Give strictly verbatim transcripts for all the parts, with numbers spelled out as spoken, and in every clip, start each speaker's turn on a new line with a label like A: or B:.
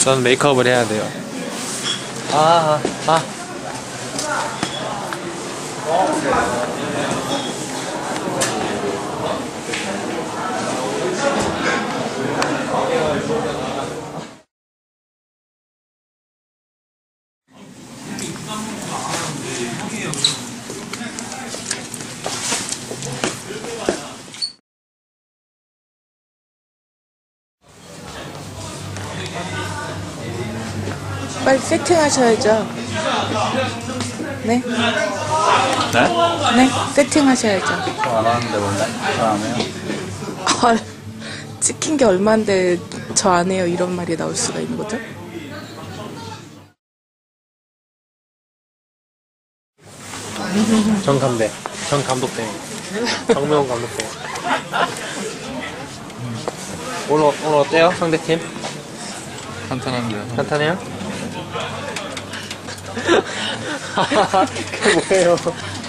A: 전 메이크업을 해야 돼요. 아, 아, 아.
B: 빨리 세팅하셔야죠. 네?
C: 네?
B: 네? 세팅하셔야죠.
C: 저 안 하는데 뭔데? 저 안 해요.
B: 헐, 찍힌 게 얼만데 저 안 해요 이런 말이 나올 수가 있는 거죠?
A: 정 감독, 정 감독 때, 정명훈 감독 때. 오늘 오늘 어때요, 상대팀?
C: 간단한데요.
A: 간단해요? 그게 뭐예요?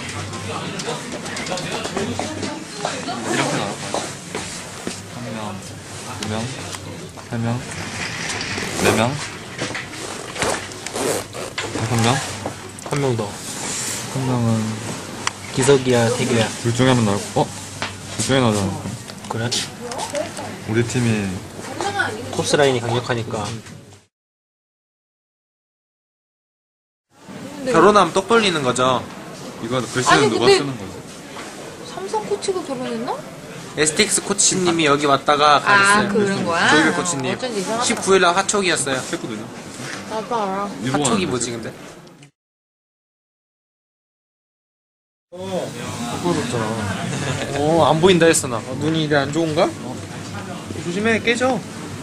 C: 이렇게 나와. 한 명, 두 명, 세 명, 네 명, 다섯 명.
A: 한 명 더.
C: 한 명은
A: 기석이야, 태규야.
C: 둘 중에 한 명 나올 거. 어? 둘 중에 나오잖아.
A: 그래?
C: 우리 팀이
A: 코스 라인이 강력하니까. 결혼하면 똑 벌리는 거죠.
C: 이거
D: 아니,
C: 글씨는 누가
D: 근데-
C: 쓰는 거지?
D: 삼성 코치가 결혼했나?
A: 에스티엑스 코치님이 여기 왔다가 가셨어요.
D: 아, 그런 거야?
A: 조이백 코치님.
D: 어쩐지 이상하다.
A: 십구 일날 화촉이었어요.
C: 했거든요.
D: 나도 알아.
A: 화촉이 뭐지 근데? 어, 어, 안 보인다 했어 나. 어, 눈이 이래 안 좋은가? 어. 조심해, 깨져.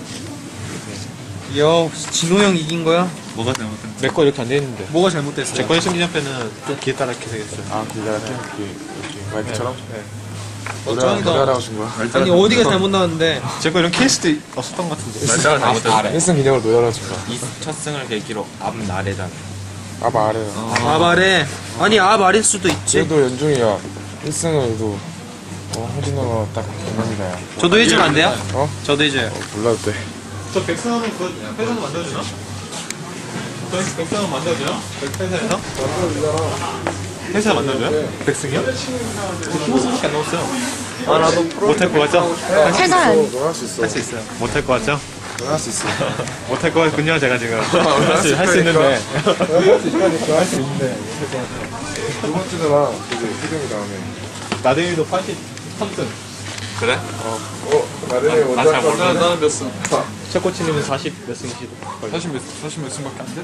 A: 이야, 진호 형 이긴 거야?
C: 뭐가 잘못된
E: 내 거 이렇게 안 돼 있는데.
A: 뭐가 잘못됐어요?
E: 제 거는 심리전패는 좀 기회따라게 생겼어요.
F: 아, 그게 이렇게 와이프처럼?
E: 네.
A: 짱이다.
F: 노래하라고 준 거야?
A: 아니 어디가 잘못 나왔는데?
E: 제 거 이런 케이스도 없었던 것 같은데.
C: 날짜가 잘못됐어.
F: 일승 기념으로 노래하라고 준 거야.
C: 이 첫 승을 계기로 앞나래잖아.
F: 아, 말해요.
A: 아 말해. 아니 아 말일 수도 있지.
F: 그래도 연중이야. 일승을 해도, 어, 홍진호가 딱 경험이다, 야.
A: 저도 해주면 안 돼요?
F: 어?
A: 저도 해줘요.
F: 몰라도 돼.
E: 저 백성은 그 회사에서 만들어주나? 저 백성은 만들어줘요? 회사에서? 회사에서 만들어줘요? 백승이요? 키보스밖에 안 넣었어요.
A: 아 나도
E: 못할 것 같죠?
D: 세간.
F: 너 할 수 있어.
E: 할 수 있어요. 못할 것 같죠?
F: 너 할 수 있어.
E: 못할 것 같군요, 제가 지금. 할 수, 할 수 있는데.
F: 할 수 있다니까. 할 수 있는데. 두 번째 주랑 이제 희정이 다음에.
E: 나대일도 팔십삼 승.
C: 그래?
F: 어, 어, 나름의 원작
C: 잘 몰라. 나는 몇 승?
E: 최 코치님은 사십 몇 승이시고.
C: 사십 몇, 사십 몇 승밖에 안 돼?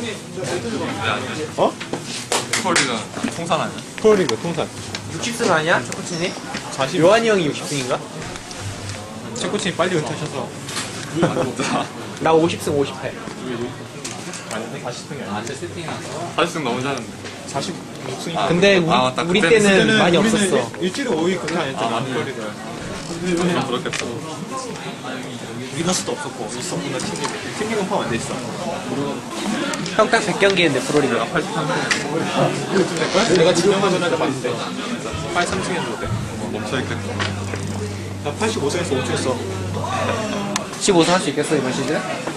E: 어?
C: 스포리가 통산 아니야?
E: 프로리그 통산.
A: 육십 승 아니야? 초코치님?
E: 사십.
A: 요한이 형이 육십 승인가?
E: 최 코치님 빨리 은퇴하셔서.
A: 나 오십 승 오십 패.
E: 아니, 사십 승이 아니야.
C: 사십 승 너무 잘하는데.
E: 사십육 승이.
A: 근데 우리,
C: 아, 맞다.
A: 우리
C: 그때는-
A: 때는 많이
E: 우리는
A: 없었어.
E: 일- 일주일에 오 일 그렇게 안 했잖아.
C: 프로리가. 좀 그렇겠어.
E: 위너스도 없었고 있었구나 팀리그. 팀리그는 포함 안 돼 있어.
A: 형 딱 백 경기 했는데 프로리그.
E: 팔십삼 승. 내가 지명하던 날에 봤는데 팔십삼 승 했는데.
C: 멈춰있겠다.
E: 나 팔십오 승에서 오 주 했어.
A: 십오 승 할 수 있겠어 이번 시즌?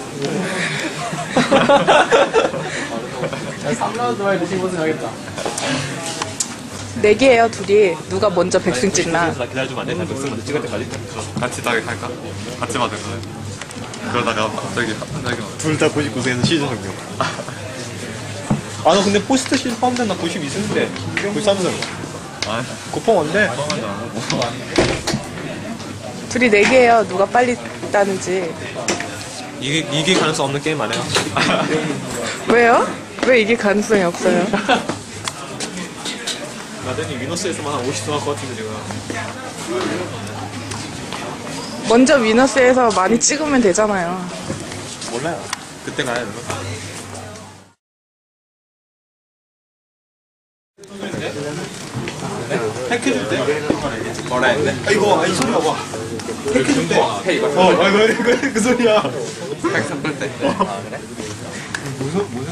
A: 삼 라운드 만에 십오 승 하겠다.
B: 내기예요 둘이. 누가 먼저 백승 찍나.
E: 나 기다려주면 안 돼? 나 백승 먼저 찍을 때까지.
C: 같이 따게 할까? 같이 받을 거야. 그러다가 갑자기 갑자기 막
E: 둘 다 구십구 승에서 시즌 성공. 아, 너 근데 포스트 시즌 포함된 나 구십이 승인데 구십삼 승.
C: 아,
E: 고펑 언제?
B: 둘이 내기예요. 누가 빨리 따는지.
E: 이게 이게 가능성 없는 게임 아니에요?
B: 왜요? 왜 이게 가능성이 없어요?
E: 나중에 위너스에서만 한 오십 승 할 것 같은데 지금.
B: 먼저 위너스에서 많이 찍으면 되잖아요.
E: 몰라요. 그때 가야 되나? 핵해줄 때?
C: 뭐라 했네?
E: 아 이거 아, 이 소리 봐봐. 핵해줄 때? 어, 아 이거 이거 그 소리야.
C: 핵 섞을 때.
E: 무슨 무슨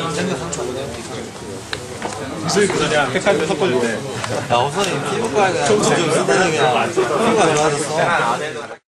E: 무슨 그 소리야. 핵할 때 섞어줄 때.
A: 야 우선은 피부과가 점점 쓰다니까 피부가 좋아졌어.